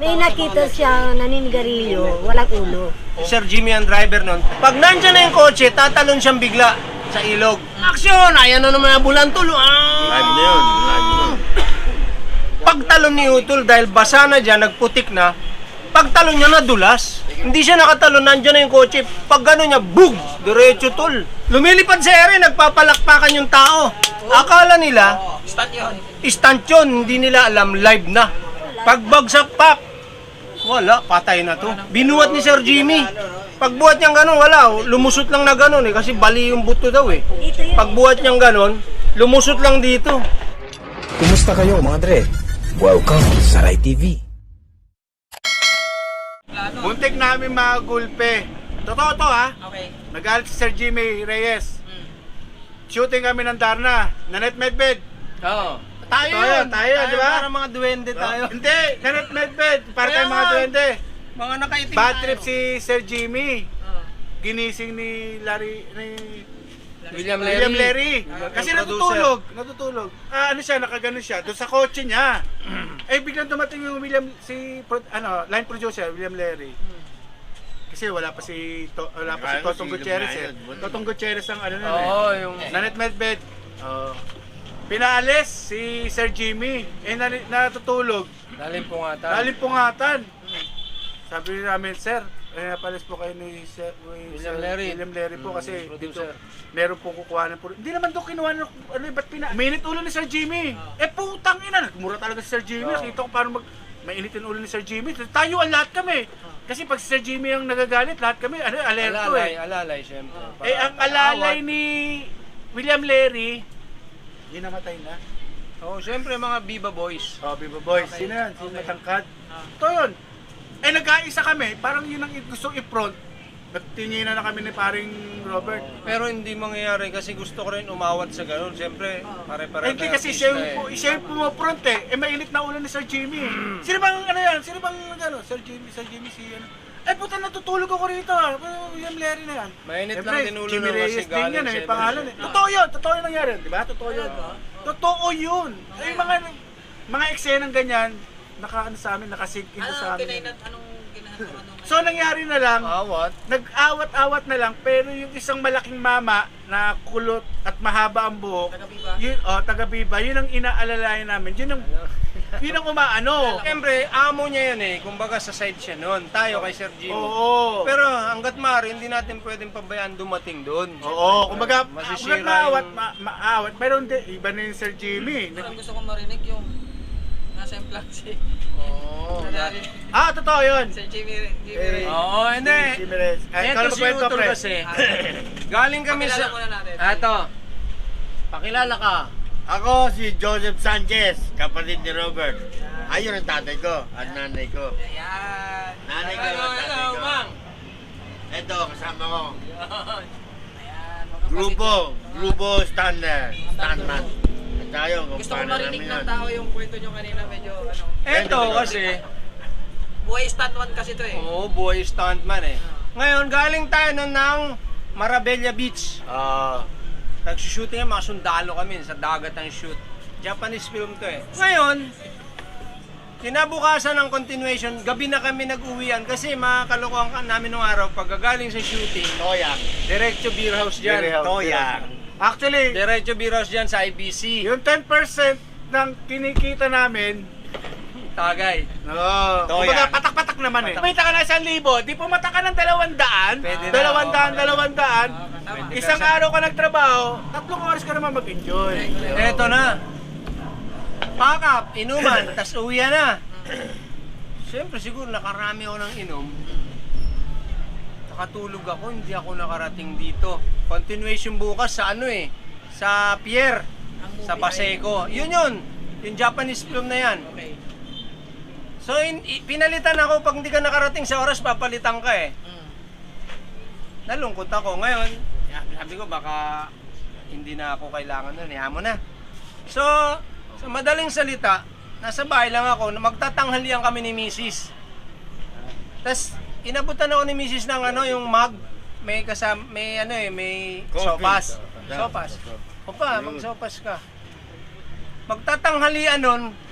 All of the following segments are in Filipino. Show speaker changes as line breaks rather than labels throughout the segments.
May nakita siya naninigarilyo, walang ulo.
Sir Jimmy ang driver nun. Pag nandyan na yung kotse, tatalon siyang bigla sa ilog. Aksyon! Ayan na naman ang bulantol.
Live na yun. Live na yun.
Pagtalon ni Utol, dahil basa na dyan, nagputik na, pagtalon niya nadulas. Hindi siya nakatalon, nandyan na yung kotse. Pag gano'n niya, bug! Diretso tol. Lumilipad sa ere, nagpapalakpakan yung tao. Akala nila, stunt yun. Hindi nila alam, live na. Pagbagsak pak, wala, patay na to. Binuhat ni Sir Jimmy. Pagbuhat niyang gano'n, wala. Lumusot lang na gano'n eh, kasi bali yung buto daw eh. Pagbuhat niyang gano'n, lumusot lang dito.
Kumusta kayo mga Dre? Welcome sa Rai TV.
Muntik namin mga gulpe. Totoo to ha.
Okay.
Nagalit si Sir Jimmy Reyes. Shooting kami ng Darna. Nanet Medved.
Oo.
Tayo, di ba?
Parang mga duwende tayo.
Hindi, Nanet Medved. Para
Kaya
tayong mga
nga.
duwende.
Mga nakaitim
Bad
tayo.
trip si Sir Jimmy. Ginising ni
William
William Larry.
Yung
Kasi
producer.
natutulog. Ano siya, nakaganon siya doon sa kotse niya. Eh biglang dumating yung line producer William Larry. Kasi wala pa si Totong Gutierrez eh. Totong Gutierrez ang ano nun eh.
Oo, yung...
Nanet Medved. Pinaalis si Sir Jimmy. Eh natutulog.
Daling pungatan.
Daling pungatan. Sabi namin, sir, napalis po kayo ni
William Larry.
William Larry po kasi
Producer.
dito meron po kukuha ng hindi naman doon kinuha ng ba't minute ulo ni Sir Jimmy. Putang ina, nagmura talaga si Sir Jimmy. Nakita ko paano mainitin ulo ni Sir Jimmy. Tayo ang lahat kami. Kasi pag si Sir Jimmy ang nagagalit, lahat kami alerto eh.
Alalay, syempre.
Ang alalay ni William Larry, yun namatay na.
Oo, syempre mga Viva Boys.
Viva Boys. Sino yan? Sino matangkad? Ito yun. Nagkaisa kami. Parang yun ang gusto i-front. Nagtinginan na kami ni paring Robert.
Pero hindi mangyayari kasi gusto ko rin umawat sa ganun. Syempre, pare-pare
Hindi
tayo
kasi
artista
siya yung pumufront eh. Mainit na ulo ni Sir Jimmy. Sino bang ano yan? Sino bang ano? Sir Jimmy si ano? Puta, natutulog ako rito ah. William Larry na yan.
Mainit
Siyempre,
lang din ulo
Jimmy
na kasi
Reyes din
galing
yan eh. May
siyempre.
pangalan eh. Totoo yun. Totoo yun nangyari. Di ba? Totoo yun. Totoo yun. Yung mga eksenang ganyan, nakaano sa amin, nakasink into sa amin. So nangyari na lang,
Awat.
nag-awat-awat na lang, pero yung isang malaking mama na kulot at mahaba ang buhok, taga-Biba, yun ang inaalalayan namin. Yun ang umaano.
Siyempre, amo niya yan eh. Kumbaga sa side siya noon. Tayo kay Sir Jimmy.
Oo.
Pero hanggat maaari, hindi natin pwedeng pabayaan dumating doon.
Oo, kumbaga,
Masisira
maawat,
yung-
maawat, pero hindi, iba na yung Sir Jimmy.
Parang gusto kong marinig yung nasa implansi.
Oo.
Totoo yun.
Sir Jimmy Ray.
Oo, hindi.
Jimmy Reyes.
Ito si Utol kasi. Galing kami
Pakilala
sa...
muna natin.
Ito. Pakilala ka.
Ako si Joseph Sanchez, kapatid ni Robert. Ayun ang tatay ko at nanay ko.
Ayan.
Nanay ko at tatay ko.
Mang.
Ito, kasama ko.
Ayan.
Grupo Stuntman. At tayo, kung
Gusto ko
paano
marinig
namin
ng
yun.
tao yung kwento nyo kanina. Medyo ano.
Ito kasi...
Buhay stand one kasi to eh.
Oo, boy stuntman eh. Ngayon, galing tayo nun ng Marabella Beach. Nagsushooting mga sundalo kami sa dagat ang shoot. Japanese film to eh. Ngayon, kinabukasan ng continuation, gabi na kami nag-uwian kasi makakalokohan ka namin nung araw pagkagaling sa shooting.
Toyang.
Diretso beer house dyan.
Beer house.
Toyang.
Actually,
Diretso beer house dyan sa IBC.
yung 10% ng kinikita namin,
Tagay.
kumbaga patak-patak naman eh. Kumita ka na 1,000, di pumata ka ng 200,
Pwede na,
200, isang araw ka nagtrabaho, 3 oras ka naman mag-enjoy.
Eto na. Pack up, inuman, tas uwi na. Siyempre siguro nakarami ako ng inom. Nakatulog ako, hindi ako nakarating dito. Continuation bukas sa ano eh, sa pier, sa Paseco. Yun, yung Japanese film na yan.
Okay.
So pinalitan ako, pag hindi ka nakarating sa oras, papalitan ka eh. Nalungkot ako. Ngayon, sabi ko baka hindi na ako kailangan nun, mo na. So, sa madaling salita, nasa bahay lang ako, magtatanghalian kami ni Mrs. Tapos, inabutan ako ni Mrs. ng yung mug, may kasama, may
Coffee.
sopas. Sopas. O pa, magsopas ka. Magtatanghalian nun,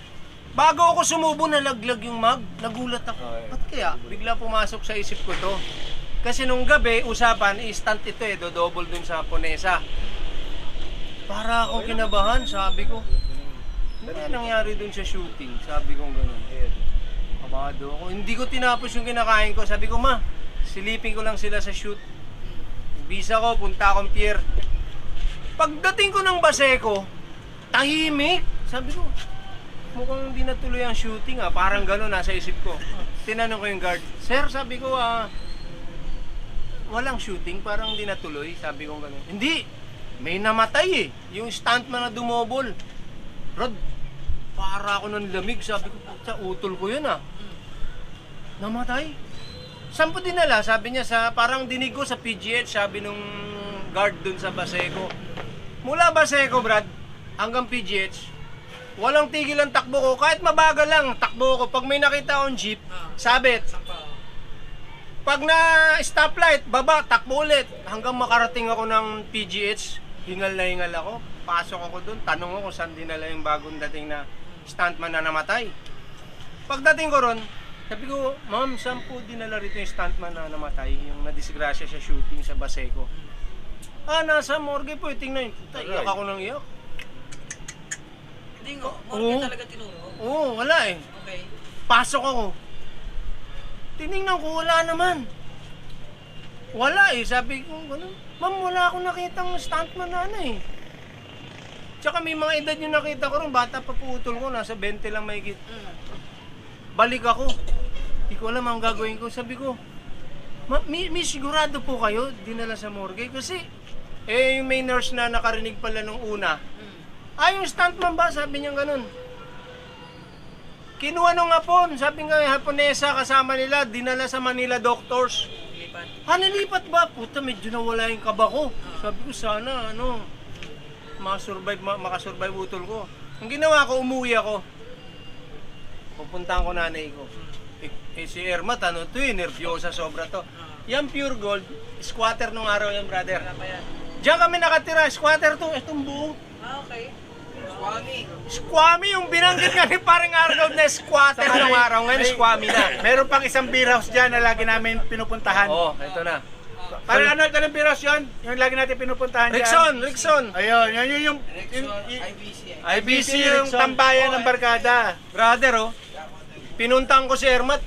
Bago ako sumubo, nalaglag yung mag. Nagulat ako. Ba't kaya? Bigla pumasok sa isip ko to. Kasi nung gabi, usapan, instant ito eh, dodouble dun sa Ponesa. Para akong kinabahan, sabi ko. Ano kaya nangyari dun sa shooting? Sabi ko gano'n. Kabado ako. Hindi ko tinapos yung kinakain ko. Sabi ko, ma, silipin ko lang sila sa shoot. Bisa ko, punta akong pier. Pagdating ko ng Baseco, tahimik. Sabi ko, mukhang hindi natuloy ang shooting ah. Parang gano'n nasa isip ko. Tinanong ko yung guard, sir, sabi ko, walang shooting, parang hindi natuloy. Sabi ko gano'n. Hindi, may namatay eh. Yung stuntman na dumobol. Rod, para ako ng lamig. Sabi ko, sa utol ko yun ah. Namatay. Saan po dinala? Sabi niya, parang dinig ko sa PGH, sabi nung guard dun sa Baseco. Mula Baseco, Brad, hanggang PGH, walang tigil ang takbo ko. Kahit mabagal lang, takbo ko. Pag may nakita akong jeep, sabit. Pag na stoplight, baba, takbo ulit. Hanggang makarating ako ng PGH, hingal na hingal ako. Pasok ako dun, tanong ko kung saan dinala yung bagong dating na stuntman na namatay. Pagdating ko ron, sabi ko, ma'am, saan po dinala rito yung stuntman na namatay? Yung nadisgrasya sa shooting sa Baseco. Nasa morgue po, tingnan yun. Iyak ako ng iyak.
Hindi nga, morgue talaga tinuro.
Oo, wala eh.
Okay.
Pasok ako. Tinignan ko, wala naman. Wala eh, sabi ko, ma'am, wala akong nakitang stuntman na ano eh. Tsaka may mga edad yung nakita ko rin, bata pa putol ko, nasa 20 lang mahigit. Balik ako. Hindi ko alam ang gagawin ko. Sabi ko, may sigurado po kayo dinala sa morgue? Kasi, yung may nurse na nakarinig pala nung una. Yung stuntman ba? Sabi niya ganun. Kinuha nung hapon. Sabi nga, Haponesa kasama nila, dinala sa Manila Doctors. Nilipat ba? Puta, medyo nawala yung kaba ko. Sabi ko, sana, makasurvive utol ko. Ang ginawa ko, umuwi ako. Pupuntahan ko nanay ko. Si Ermat, nervyosa sobra to. Yan pure gold, squatter nung araw yan, brother. Diyan kami nakatira, squatter to, itong buo.
Okay.
Squammy, yung binanggit nga ni paring Arnold na squatter nung araw, ngayon squammy na.
Meron pang isang beer house dyan na lagi namin pinupuntahan.
Ito na.
Parang ano, anong beer house yun? Yung lagi natin pinupuntahan dyan.
Rickson.
Ayun, yun yung
IBC,
yung
Rickson.
tambayan ng barkada.
Brother, pinuntang ko si Ermat.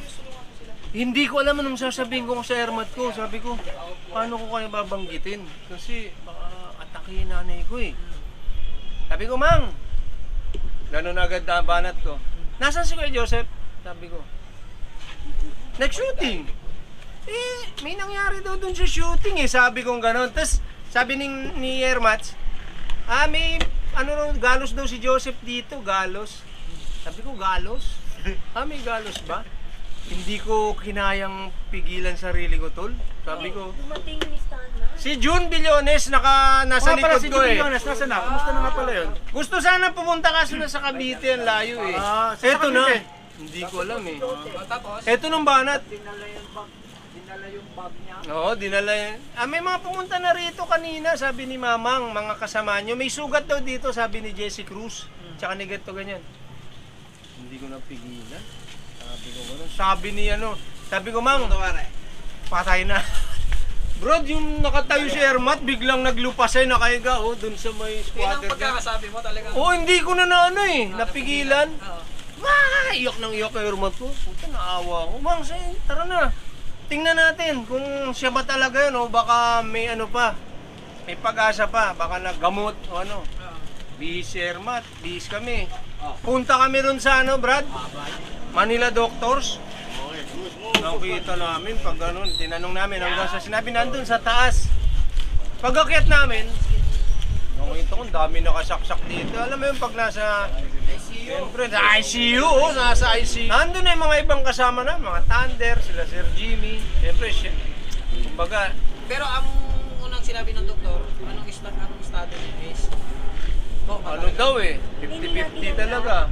Hindi ko alam anong sasabihin ko sa Ermat ko. Sabi ko, paano ko kaya babanggitin? Kasi baka atakihin nanay ko eh. Sabi ko, Mang, gano'n agad na banat ko. Nasaan si Kuya Joseph? Sabi ko, next shooting. May nangyari daw dun sa shooting eh. Sabi ko gano'n. Tapos sabi ni Ermat, may galos daw si Joseph dito. Galos. Sabi ko, galos? May galos ba? Hindi ko kinayang pigilan sarili ko, tol. Sabi ko,
Dumating ni Stan
si June Billones nasa likod
si
ko eh.
Julianas, nasa na? Kumusta na nga pala yun?
Gusto sana pumunta kasi na sa Cavite, ang layo eh.
Sa
Eto na.
Cavite.
Hindi ko alam eh.
Tapos,
Eto nung banat.
Dinala yung bag niya.
Oo, dinala yan. May mga pumunta na rito kanina, sabi ni Mamang, mga kasama nyo. May sugat daw dito, sabi ni Jessie Cruz. Tsaka ni Gato ganyan. Hindi ko napigilan. Sabi ko gano'n. Sabi ko, Mang, patay na. Bro, yung nakatayo si Ermat, biglang naglupasay, nakahiga, dun sa may
yun ang
squatter dyan.
pagkakasabi mo talaga.
Hindi ko na napigilan. Iyak ng iyak kay Ermat ko. Puta, naawa ko. Mang, tara na. Tingnan natin kung siya ba talaga yun o baka may pa. May pag-asa pa, baka naggamot o ano. Bihis si Ermat, bihis kami. Punta kami ron sa Brad? Manila Doctors. Nakita namin pag ganun, tinanong namin hanggang sa sinabi nandun sa taas. Pag-akyat namin, nakita ko dami nakasaksak dito. Alam mo yung pag nasa siyempre, sa ICU, nasa ICU. Nandun na yung mga ibang kasama na, mga Thunder, sila Sir Jimmy. Siyempre, kumbaga.
Pero ang unang sinabi ng doktor, anong estado is?
Ano daw 50-50 talaga.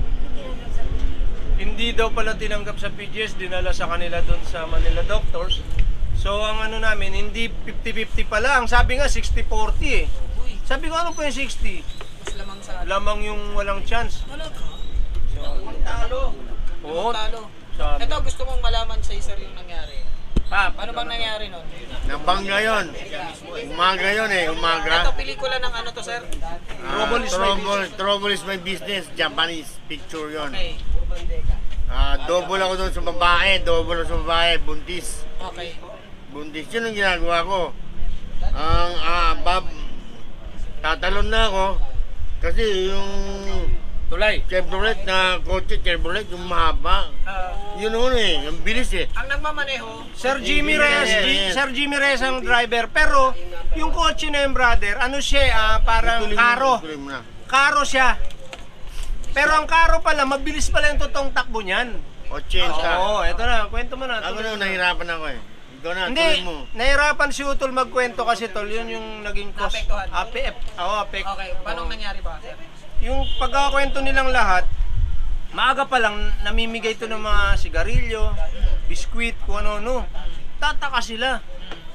Hindi daw pala tinanggap sa PGS, dinala sa kanila doon sa Manila Doctors. So ang namin, hindi 50-50 pala. Ang sabi nga 60-40 eh. Sabi ko, ano po yung 60?
Mas lamang sa...
Lamang yung walang chance.
Talaga? Talo.
Oo.
Talo.
Sabi.
Ito, gusto mong malaman sa sir yung nangyari.
Pa,
Ano bang nangyari nun?
Nabangga yun. Umaga yun eh,
Ito,
umaga.
pelikula ng ano to, sir?
Trouble is my business. Japanese picture yun.
Okay.
Double ako doon sa babae. Double ako sa babae. Buntis.
Okay.
Buntis yun ang ginagawa ko. Tatalon na ako. Kasi yung
tulay.
Chevrolet na kotse, Chevrolet, yung mahaba. Yun yun eh, yung bilis eh.
Ang nagmamaneho,
Sir Jimmy Reyes, Sir Jimmy Reyes ang driver. Pero yung kotse na yung brother, ano siya, parang karo.
Tuloy mo na.
Karo siya. Pero ang karo pala, mabilis pala yung totoong takbo niyan.
80.
Oo, eto na, kwento mo na.
Ako
tuloy
na,
mo.
nahirapan ako eh. Ikaw na,
Hindi,
tuloy mo.
nahirapan si Utol magkwento kasi tol, yun yung naging cause.
Naapektuhan.
Apek.
okay, paano nangyari ba, sir?
Yung pagkakwento nilang lahat, maaga pa lang namimigay to ng mga sigarilyo, biskwit, kung ano-ano. Tataka sila.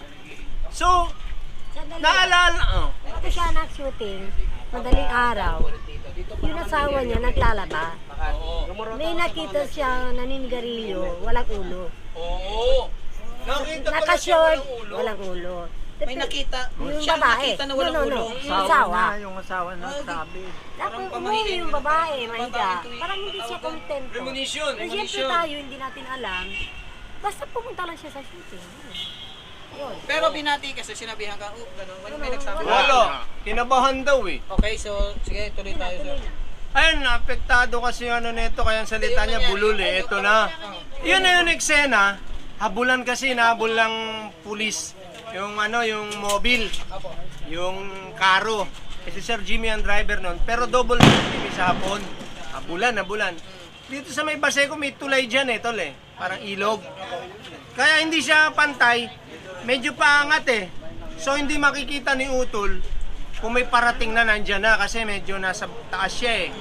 So, naalala,
Ito siya nag-shooting, madaling araw. Yung asawa niya naglalaba. May nakita siya naninigarilyo, walang ulo.
Oo.
nakita
Naka-short, walang ulo.
May nakita.
Yung
Siya ang
babae.
nakita na walang
No.
ulo.
Yung asawa.
Yung asawa na sabi.
Tapos umuwi yung babae, mahiga. Parang hindi siya kontento.
Premonition,
Pero siyempre tayo, hindi natin alam. Basta pumunta lang siya sa shooting. Yun.
Pero binati kasi sinabihan ka, gano'n. Wala may nagsabi.
Wala, kinabahan daw eh.
Okay, so sige, tuloy tayo, sir.
Ayun, apektado kasi yung ano nito, kaya ang salita niya bulol eh. Ito na. Yun na yung eksena. Habulan kasi, nahabol lang pulis. Yung ano, yung mobile. Yung karo. Kasi Sir Jimmy ang driver nun. Pero double Sir Jimmy sa hapon. Habulan. Dito sa may Baseco, may tulay dyan eh, tol eh. Parang ilog. Kaya hindi siya pantay. Medyo paangat eh. So hindi makikita ni Utol kung may parating na nandyan na kasi medyo nasa taas siya eh.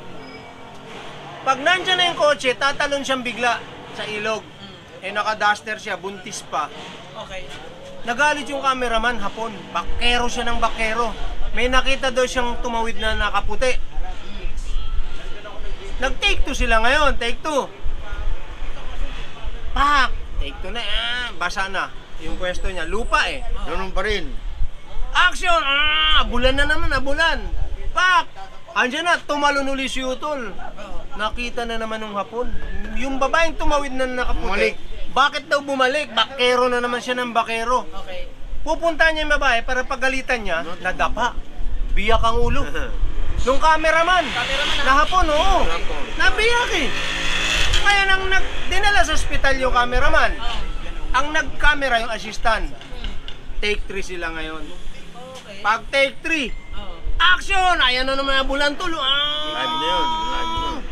Pag nandyan na yung kotse, tatalon siyang bigla sa ilog. Eh naka-duster siya, buntis pa.
Okay.
Nagalit yung cameraman hapon. Bakero siya ng bakero. May nakita daw siyang tumawid na nakaputi. Nag-take 2 sila ngayon, take 2. Pak! Take 2 na, basa na. Yung pwesto niya, lupa eh.
Ganun pa rin.
Action! Abulan na naman, abulan. Pak! Andiyan na, tumalon uli si Utol. Nakita na naman ng hapon. Yung babaeng tumawid na nakaputi.
Bumalik.
Bakit daw bumalik? Bakero na naman siya ng bakero.
Okay.
Pupunta niya yung babae para pagalitan niya, nadapa. Biyak ang ulo. Nung cameraman, na hapon, oo. Nabiyak eh. Kaya nang dinala sa ospital yung cameraman, ang nag-camera yung assistant. Take 3 sila ngayon.
Okay.
Pag take 3, action! Ayan na naman ang bulan tulo.
Live na yun. Live na yun.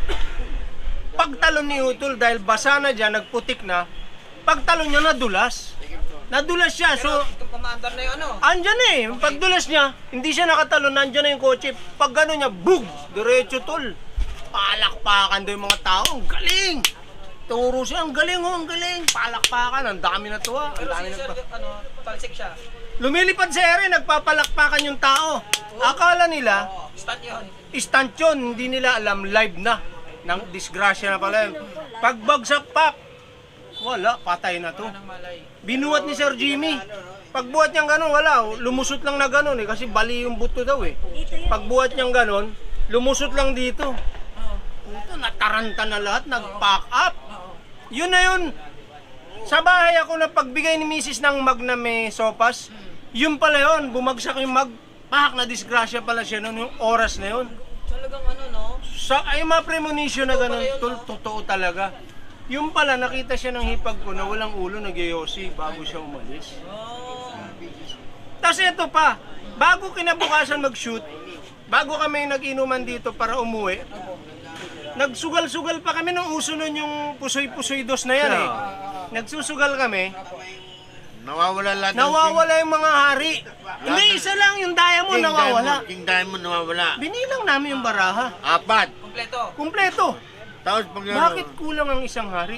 Pagtalon ni Utol, dahil basa na dyan, nagputik na, pagtalon niya nadulas. Nadulas siya, so
Itong kumaandar na yung ano.
andyan eh. Pagdulas niya, hindi siya nakatalon, nandyan na yung kotse. Pag gano'n niya, bug! Diretso tol. Palakpakan daw yung mga tao. Ang galing! Turo siya, ang galing oh, ang galing. Palakpakan, ang dami na tuwa. Ang
Pero
dami
si
na
sir, talsik siya.
Lumilipad sa ere, nagpapalakpakan yung tao. Akala nila,
Stand yun.
instant yun, hindi nila alam, live na. Nang disgrasya na pala yun. Pagbagsak pak, wala, patay na to.
Anong malay.
Binuhat ni Sir Jimmy. Pagbuhat niyang gano'n, wala. Lumusot lang na gano'n eh, kasi bali yung buto daw eh. Pagbuhat niyang gano'n, lumusot lang dito. Ito, nataranta na lahat, nag-pack up. Yun na yun. Sa bahay ako na pagbigay ni Mrs. ng mag na may sopas, yun pala yun, bumagsak yung mag, pak, na disgrasya pala siya noon, yung oras na yun.
Talagang ano, no?
Sa ay mga premonition na gano'n, totoo talaga. Yung pala, nakita siya ng hipag ko na walang ulo, nagyayosi bago siya umalis.
Oh.
Tapos ito pa, bago kinabukasan mag-shoot, bago kami nag-inuman dito para umuwi, nagsugal-sugal pa kami nung uso nun yung pusoy-pusoy dos na yan eh. Nagsusugal kami,
Nawawala lahat ng
nawawala yung mga hari. Hindi, isa lang yung diamond nawawala.
King Diamond nawawala.
Binilang namin yung baraha.
4.
Kompleto.
Kumpleto.
Tapos pag
Bakit kulang ang isang hari?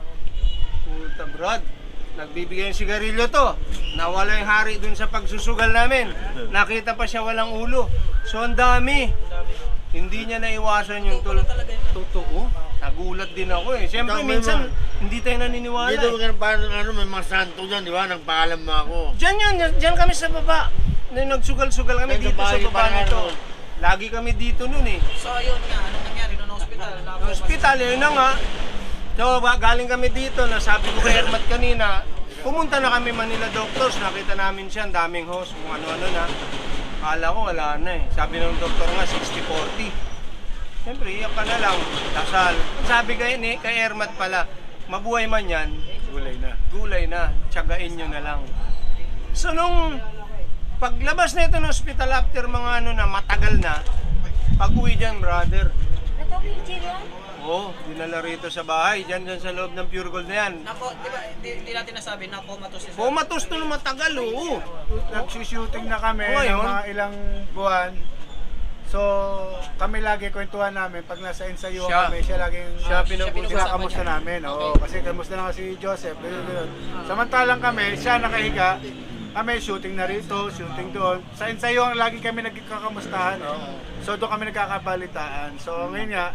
Puta Brad, nagbibigay ng sigarilyo to. Nawala yung hari dun sa pagsusugal namin. Nakita pa siya walang ulo. So ang dami. Hindi niya naiwasan yung totoo. nagulat din ako eh. Siyempre,
Tama
minsan,
naman.
hindi tayo naniniwala
Dito
eh.
parang may mga santo dyan, di ba? Nagpaalam mo ako.
Diyan kami sa baba. Nagsugal-sugal kami
Nagsa
dito sa
bahay
baba
pa nga
nito.
nun.
Lagi kami dito nun eh.
So ayun nga, anong nangyari noong hospital?
Hospital, yun na nga. So, galing kami dito, nasabi ko kay Hermat kanina, pumunta na kami Manila Doctors, nakita namin siya, ang daming host, kung ano-ano na. Kala ko wala na eh. Sabi ng doktor nga, 60-40. Siyempre, iyak ka na lang, dasal. Sabi kay Hermat pala, mabuhay man yan, gulay na, tiyagain nyo na lang. So, nung paglabas na ito ng hospital after mga ano na, matagal na, pag-uwi dyan, brother,
Nag-wheelchair yan?
oo, dinala rito sa bahay, dyan sa loob ng Pure Gold na yan.
Nako, di ba, hindi natin nasabi na comatose si sir.
Pumatos to ng matagal, oo.
Nagsushooting na kami
Ngayon?
ng mga ilang buwan. So, kami lagi kwentuhan namin pag nasa ensayo
Siya.
kami, siya laging
Siya pinag-uusapan
kinakamusta
niya.
namin. Oo, kasi kamusta na kasi Joseph, ganun. Samantalang kami, siya nakahiga, kami shooting na rito, shooting doon. Sa ensayo ang lagi kami nagkakamustahan. So doon kami nagkakabalitaan. So ngayon nga,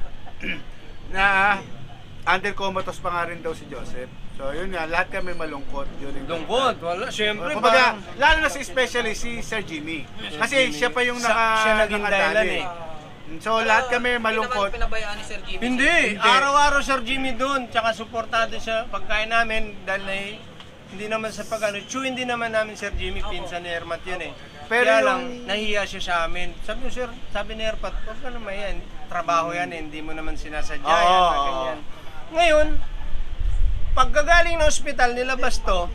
na under comatose pa nga rin daw si Joseph. So yun nga, lahat kami malungkot during that
Lungkot,
time.
wala, siyempre
Kumbaga,
parang
lalo na si especially si Sir Jimmy. Kasi siya pa yung
siya naging dahilan
nakadali.
eh.
So lahat kami malungkot.
Hindi naman pinabayaan ni Sir Jimmy.
Hindi, araw-araw Sir Jimmy doon, tsaka suportado siya pagkain namin dahil na hindi naman sa pag-ano, hindi naman namin Sir Jimmy, pinsan ni Hermat yun eh.
Pero
Kaya
yung-
lang, nahiya siya sa amin. Sabi ko, Sir, sabi ni Hermat, huwag ka naman yan, trabaho yan eh, hindi mo naman sinasadya yan,
Oo.
ganyan. Ngayon, pagkagaling ng ospital, nilabas to,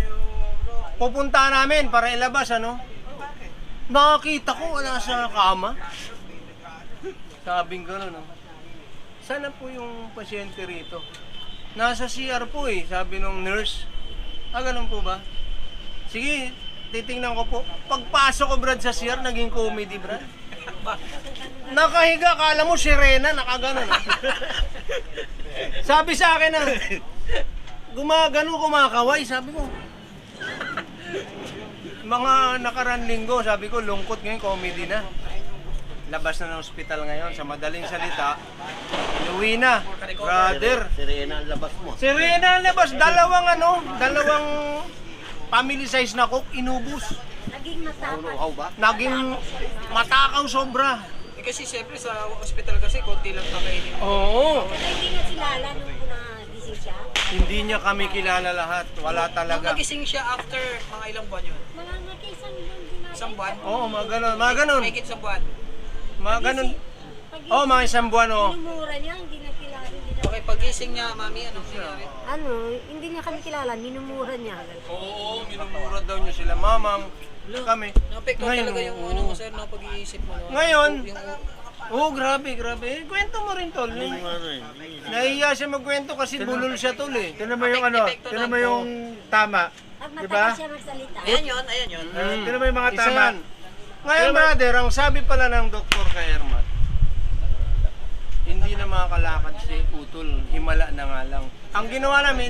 pupunta namin para ilabas, ano? Nakakita ko wala sa kama. Sabing gano'n, no? Sana po yung pasyente rito. Nasa CR po eh, sabi nung nurse. Ganun po ba? Sige, titingnan ko po. Pagpasok ko, Brad, sa CR, naging comedy, Brad. Nakahiga, kala mo sirena, nakaganon. Sabi sa akin na, gumagano, kumakaway, sabi ko. Mga nakarang linggo, sabi ko, lungkot ngayon, comedy na. Labas na ng ospital ngayon, sa madaling salita, inuwi na. Brother,
Sirena ang labas mo.
Serena labas, dalawang family size na coke, inubos.
Naging matapang.
ba?
Naging matakaw sobra.
Kasi siyempre sa hospital kasi, konti lang kakainin.
Oo.
Pero hindi na kilala nung nagising siya.
Hindi niya kami kilala lahat. Wala
Nung
talaga.
nagising siya after mga ilang buwan yun?
Mga nagkaisang din
Isang buwan?
Oo, mga ganun.
Mahigit isang buwan.
Mga ganun. Oo, mga isang buwan, oo.
Minumura niya, hindi na kilala. Hindi na,
Okay, pagising niya, mami, anong nangyari?
ano, hindi niya kami kilala, minumura niya.
Oo, minumura daw niya sila. Mamam, kami.
Naapektuhan talaga yung ano mo, sir, no, pag-iisip mo. No?
Ngayon,
Yung,
grabe. Kwento mo rin, tol. Nahiya siya magkwento kasi bulol siya, tol eh.
Tinan mo yung ano, tinan mo yung tama.
Pag
Di
matagal
ba?
siya magsalita.
ayan yun.
Tinan mo yung mga
Isa
tama.
yan. Ngayon, brother, ang sabi pala ng doktor kay Hermat, hindi na makakalakad si Utol, himala na nga lang. Ang ginawa namin,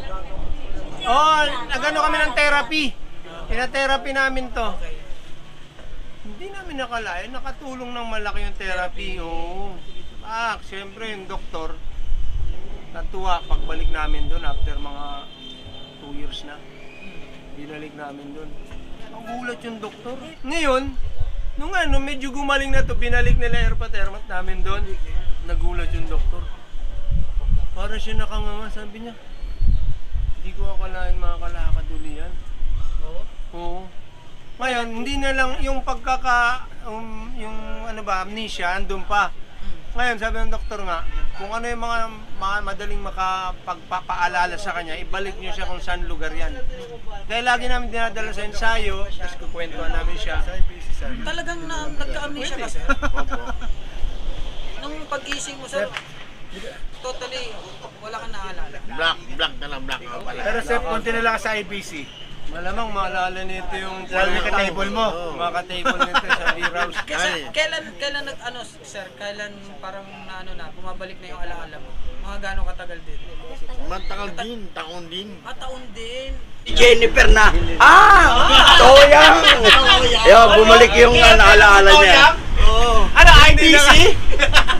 nagano kami ng therapy. Pina-therapy namin to. Hindi namin nakalain, nakatulong ng malaki yung therapy. Oo. Siyempre yung doktor, natuwa pagbalik namin doon after mga 2 years na. Binalik namin doon. Ang gulat yung doktor. Ngayon, nung medyo gumaling na to, binalik nila Hermat namin doon. Nagulat yung doktor. Para siya nakanganga, sabi niya. Hindi ko akalain makakalakad uli yan. Oo. Ngayon, hindi na lang yung yung amnesia, andun pa. Ngayon, sabi ng doktor nga, kung ano yung mga madaling makapagpapaalala sa kanya, ibalik niyo siya kung saan lugar yan. Dahil lagi namin dinadala sa ensayo, tapos kukwentuhan namin siya.
Talagang nagka-amnesia ka, sir? Nung pag-ising mo, sir, totally, wala kang naalala.
Black na lang, black na pala.
Pero Seth, konti na lang sa IBC.
Malamang maalala nito yung
Lalo yung ka-table mo.
Mga ka-table nito sa beer house.
Kasi
Ay.
kailan sir, kailan parang bumabalik na yung alaala mo? Mga gano'ng katagal din?
Matagal din, taon din.
Taon din.
Jennifer na. Toyang! Yo, bumalik yung alaala niya.
Ano, IBC?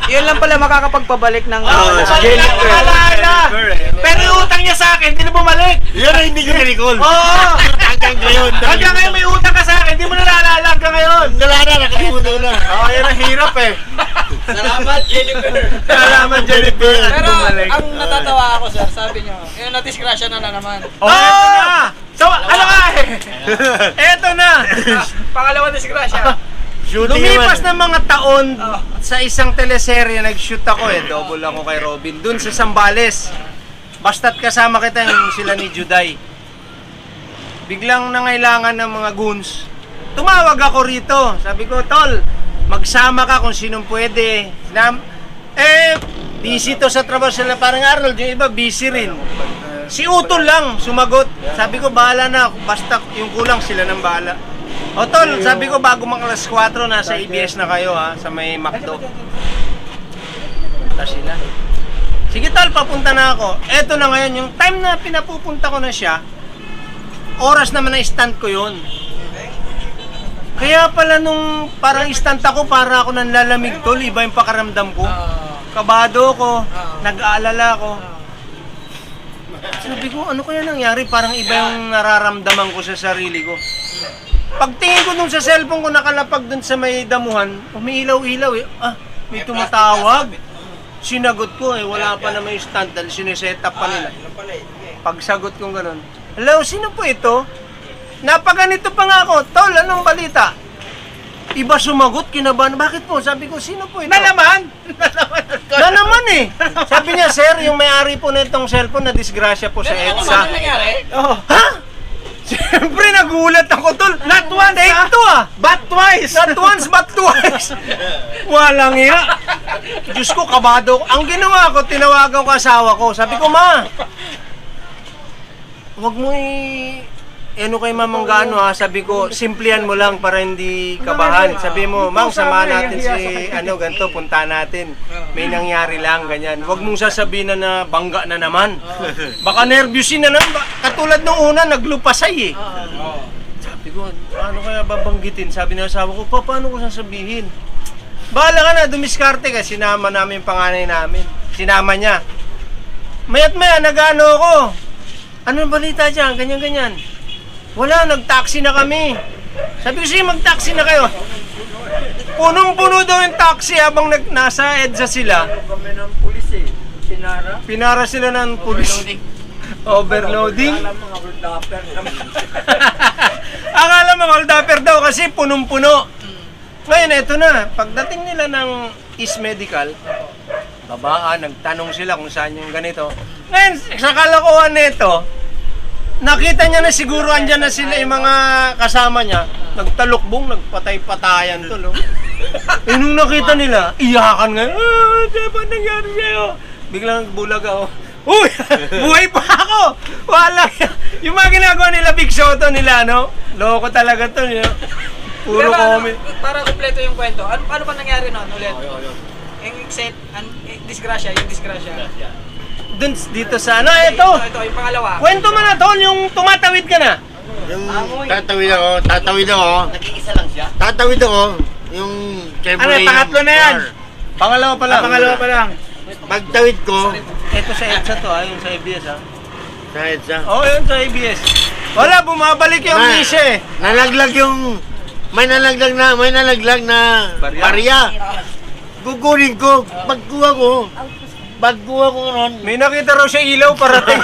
Yun lang pala makakapagpabalik ng
Jennifer. Pero yung utang niya sa akin, hindi na bumalik.
Yan ang hindi ko na-recall.
Oo!
Hanggang ngayon.
Hanggang ngayon may utang ka sa akin, hindi mo nalaalala hanggang ngayon.
Nalala, nakalimutan ko na.
Oo, yan ang hirap eh.
Salamat, Jennifer.
Salamat, Jennifer.
Pero ang natatawa ako, sir, sabi nyo, yung na-disgrasya na naman.
Oh, eto na! So, ano nga eh? Eto na!
Pangalawa disgrasya.
Shooting
Lumipas
naman.
ng mga taon sa isang teleserye, nag-shoot ako double ako kay Robin, dun sa Zambales. Basta't kasama kita yung sila ni Juday. Biglang nangailangan ng mga goons. Tumawag ako rito. Sabi ko, Tol, magsama ka kung sinong pwede. Busy to sa trabaho sila. Parang Arnold, yung iba busy rin. Si Utol lang sumagot. Sabi ko, bahala na. Basta yung kulang sila ng bahala. O Tol, sabi ko, bago mga alas 4, nasa ABS na kayo ha, sa may McDo. Punta sila. Sige Tol, papunta na ako. Eto na ngayon, yung time na pinapupunta ko na siya, oras naman na stand ko yun. Kaya pala nung parang stand ako, para ako nanlalamig Tol, iba yung pakaramdam ko. Kabado ko, nag-aalala ko. Sabi ko, ano kaya nangyari? Parang iba yung nararamdaman ko sa sarili ko. Pagtingin ko dun sa cellphone ko, nakalapag dun sa may damuhan, umiilaw-ilaw eh. May tumatawag. Sinagot ko wala pa na may stand dahil sineset up pa nila. Pagsagot ko gano'n, hello, sino po ito? Napaganito pa nga ako, Tol, anong balita? Iba sumagot, kinabahan, bakit po? Sabi ko, sino po ito?
Na naman!
Na naman eh! Sabi niya, sir, yung may-ari po na itong cellphone, na disgrasya po sa EDSA.
Oh.
Ha? Siyempre nagulat ako, Tol.
Not once,
Take
ha?
two
But twice!
Not once, but twice. Walang iya. Diyos ko, kabado ko. Ang ginawa ko, tinawagan ko asawa ko. Sabi ko, Ma, huwag mo ano kay Mamang Gaano ha. Sabi ko, simplihan mo lang para hindi kabahan. Sabi mo, Mang, samahan natin si ganito, punta natin. May nangyari lang, ganyan. Huwag mong sasabihin na bangga na naman. Baka nervyusin na naman. Katulad nung una, naglupasay eh. Sabi ko, ano kaya babanggitin? Sabi ng asawa ko, paano ko sasabihin? Bahala ka na, dumiskarte ka. Sinama namin yung panganay namin. Sinama niya. Mayat maya, nag-ano ako. Ano yung balita dyan? Ganyan-ganyan. Wala, nag-taxi na kami. Sabi ko, sige, mag-taxi na kayo. Punong-puno daw yung taxi habang nasa EDSA sila.
Kami ng pulis eh. Sinara.
Pinara sila ng pulis. Overloading.
Alam mga hold-upper naman.
Akala mga hold-upper daw kasi punong-puno. Ngayon, eto na. Pagdating nila ng East Medical, babaan, nagtanong sila kung saan yung ganito. Ngayon, sa kalokohan nito, nakita niya na siguro andyan na sila yung mga kasama niya. Nagtalukbong, nagpatay-patayan to, no? Nung nakita nila, iyakan nga. Diba nangyari sa'yo? Biglang bulag ako. Uy! Buhay pa ako! Wala! Yung mga ginagawa nila, Big Soto nila, no? Loko talaga to, no? Puro comment.
Para kumpleto yung kwento, ano pa nangyari noon ulit? Yung disgrasya, yung disgrasya.
Dun, dito sa ano, ito!
Ito, yung pangalawa.
Kwento mo na, Tol, yung tumatawid ka na.
Yung tatawid ako.
Nag-iisa lang siya.
Tatawid ako. Yung
Ano, pangatlo na yan?
Pangalawa pa lang.
Pangalawa pa lang.
Pagtawid ko,
Ito sa EDSA to, yung sa ABS, ha?
sa EDSA.
Oo, yun sa ABS. Wala, bumabalik yung Misha eh.
Nalaglag yung... May nalaglag na barya. Kukunin ko. Pagkuha ko ron.
May nakita raw siya ilaw parating.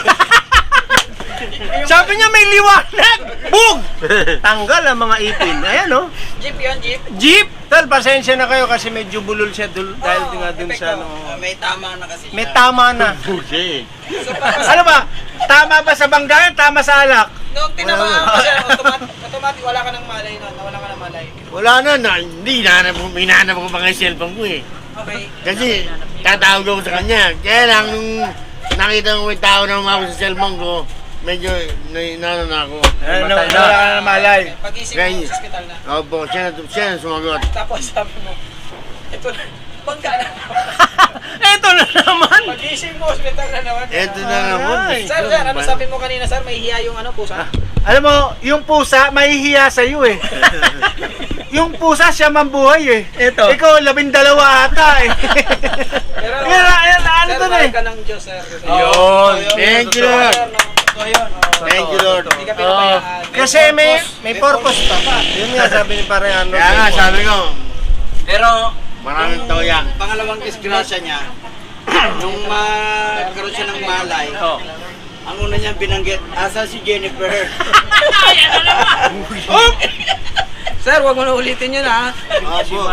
Sabi niya may liwanag. Bug! Tanggal ang mga ipin. Ayan, oh.
Jeep yun, jeep.
Jeep! Tal, pasensya na kayo kasi medyo bulol siya dahil nga dun sa ano.
May tama na kasi siya.
May tama na.
Bullshit.
So,
Ano ba? Tama ba sa banggayan? Tama sa alak?
nung tinamaan mo siya, automatic wala ka ng malay nun. Nawala ka ng malay.
Wala na. Hindi, hinahanap ko pa nga yung cellphone ko eh.
Okay.
Kasi tatawag ako sa kanya. Kaya lang, nung nakita ko may tao na umako sa cellphone ko, medyo naano na ako.
Nawala ka na malay.
Pag-isip
Kaya-
mo sa ospital na.
Opo, siya na sumagot.
Tapos sabi mo, ito na, bangga na.
Eto na naman.
Pag-isip mo, ospital na naman.
Eto na naman.
Ay.
Sir, ano sabi mo kanina, sir? May hiya yung ano, pusa?
Alam mo, yung pusa, mahihiya sa'yo eh. yung pusa siya mambuhay eh.
Ito.
Ikaw, 12 ata eh.
Pero,
Ano
sir,
to
mahal
eh?
ka ng Diyos, sir.
Yun. Thank you, Lord.
Totoo yun.
Thank you, Lord.
Hindi ka pinabayaan.
Kasi may purpose pa. Yun nga sabi ni Pare Arnold.
Kaya nga, sabi ko,
Pero,
maraming toya.
pangalawang disgrasya niya, nung magkaroon siya ng malay, ang una niyang binanggit, asa si Jennifer?
Sir, wag mo na ulitin yun, ha?
Opo.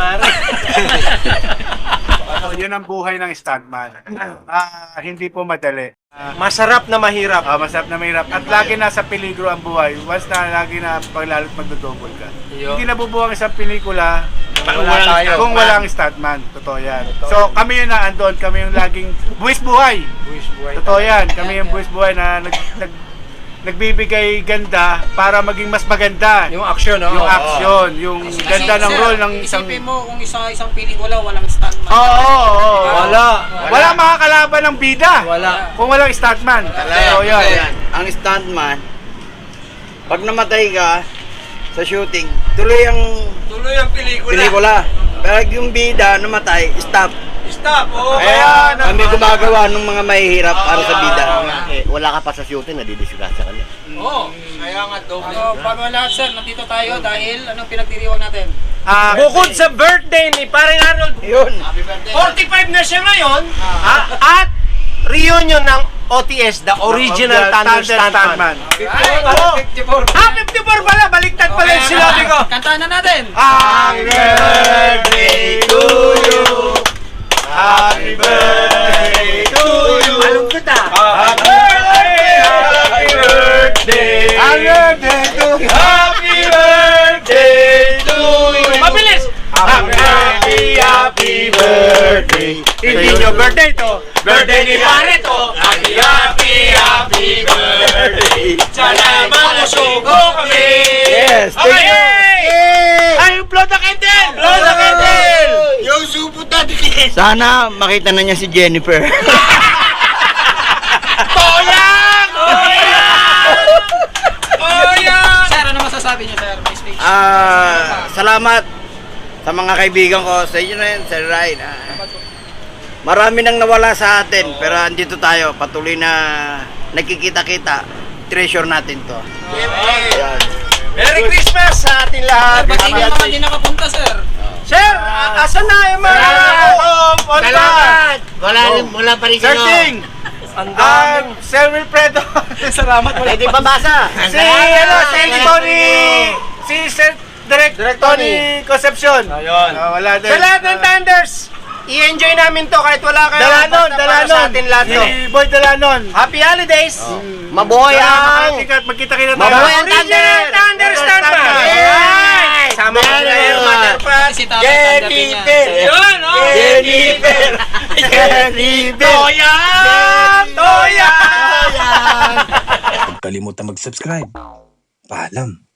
Yun ang buhay ng stuntman. Hindi po madali.
Masarap na mahirap.
Masarap na mahirap. At lagi nasa peligro ang buhay. Once na lagi na paglalo't magdodouble ka. Hindi nabubuo ang isang pelikula kung walang stuntman. Totoo yan. So kami yung naandun. Kami yung laging buwis buhay. Totoo yan. Kami yung buwis buhay na nagbibigay ganda para maging mas maganda.
Yung action, no?
Yung action, yung ganda ng
Sir,
role ng isang...
Isipin mo kung isang pelikula, walang stuntman.
Oo.
Wala.
Mga kalaban ng bida.
Wala.
Kung walang stuntman. Totoo yan.
Ang stuntman, pag namatay ka sa shooting, tuloy ang pelikula. Pero yung bida namatay, stop. Kaya kami gumagawa ng mga mahihirap para sa bida.
Wala ka pa sa shooting, nadidisgrasya ka na.
Oo. Kaya nga, doble. Bago ang lahat, sir, nandito tayo dahil anong pinagdiriwang natin?
Bukod sa birthday ni Pare Arnold,
Yun.
45 na siya ngayon, at reunion ng OTS, the original Thunder Stuntman.
54.
54 pala, baliktad pala yung sinabi ko.
Kantahan na natin.
Happy birthday to you. Happy birthday to you.
Malungkot ah.
Happy birthday. Happy birthday. Happy birthday to you. Happy birthday to you.
Mabilis!
Happy birthday.
Hindi nyo birthday to. Birthday ni Pare to. Happy birthday. Sana mamusugo kami.
Yes, thank you.
Ay, blow the candle! Blow the candle!
Yung supo tatikin!
Sana makita na niya si Jennifer.
Toyang!
Sir, ano masasabi niyo, sir? May speech.
Salamat sa mga kaibigan ko, sa inyo na yun, Sir Ryan. Marami nang nawala sa atin, pero andito tayo, patuloy na nagkikita-kita. Treasure natin to. Yan.
Merry Christmas sa ating lahat.
Batiin yung mga di nakapunta, sir.
Sir, asan na yung mga
Salamat! Wala pa rin
Sir
kayo.
Ting.
Ang daming.
Sir Wilfredo. Salamat.
Pwede pa basa?
Si Sir Direct Tony Concepcion.
Ayun.
Wala din.
Sa lahat ng Thunders, i-enjoy namin to kahit wala kayo.
Dalanon,
Basta para sa atin lahat to.
Si Boy Dalanon.
Happy holidays!
Mabuhay ang...
Magkita-kita tayo.
Mabuhay ang
Original Thunder Stuntman!
Yay!
Sama ko na yung mother pa.
Si Tatay tanggapin niya.
Yun, oh!
Jennifer! Jennifer!
Toyang! Toyang!
Huwag kalimutan mag-subscribe. Paalam.